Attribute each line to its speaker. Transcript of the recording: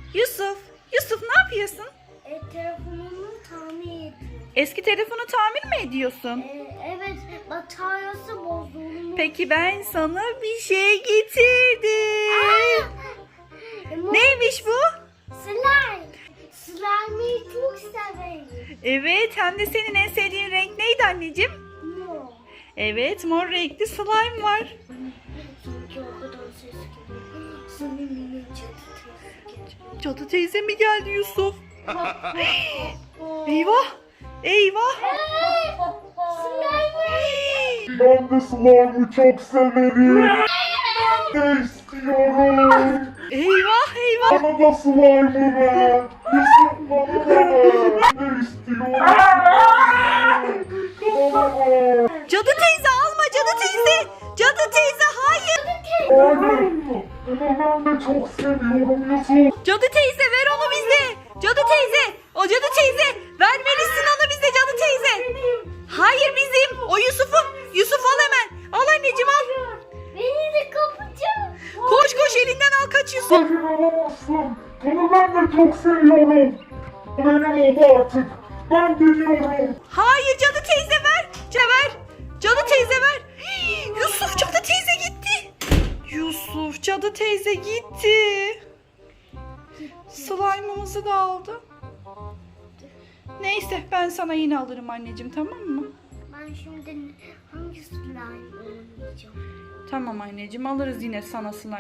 Speaker 1: Yusuf, Yusuf ne yapıyorsun?
Speaker 2: Telefonumu tamir ediyorum.
Speaker 1: Eski telefonu tamir mi ediyorsun?
Speaker 2: Evet, bataryası bozulmuş.
Speaker 1: Peki ben sana bir şey getirdim. Neymiş bu?
Speaker 2: Slime. Slime'ı çok severim.
Speaker 1: Evet, hem de senin en sevdiğin renk neydi anneciğim?
Speaker 2: Mor.
Speaker 1: Evet, mor renkli slime var.
Speaker 2: Sanki o kadar ses geliyor. Senin
Speaker 1: Cadı teyze mi geldi Yusuf? Eyvah, eyvah.
Speaker 3: Ben de slime'ı çok severim. Ben de istiyorum.
Speaker 1: Eyvah, eyvah.
Speaker 3: Bana da slime'ı ver. Yusuf bana da ver. Ben de istiyorum. Bana ver.
Speaker 1: Cadı teyze alma, cadı teyze. Cadı teyze hayır.
Speaker 3: Hayır. Bunu ben de çok seviyorum Yusuf.
Speaker 1: Cadı teyze ver onu bize. Cadı teyze. O cadı teyze. Vermelisin onu bize cadı teyze. Hayır bizim. O Yusuf'un. Yusuf al hemen. Al anneciğim al.
Speaker 2: Beni de kapacağım.
Speaker 1: Koş koş elinden al kaç Yusuf.
Speaker 3: Hayır alamazsın. Bunu ben de çok seviyorum. Benim oldu artık. Ben geliyorum.
Speaker 1: Hayır cadı teyze ver. Ver. Cadı teyze ver. Yusuf cadı teyze gitti. Yusuf cadı teyze gitti. Slime'ımızı da aldı. Neyse ben sana yine alırım anneciğim, tamam mı?
Speaker 2: Ben şimdi hangi slime oynayacağım?
Speaker 1: Tamam anneciğim, alırız yine sana slime.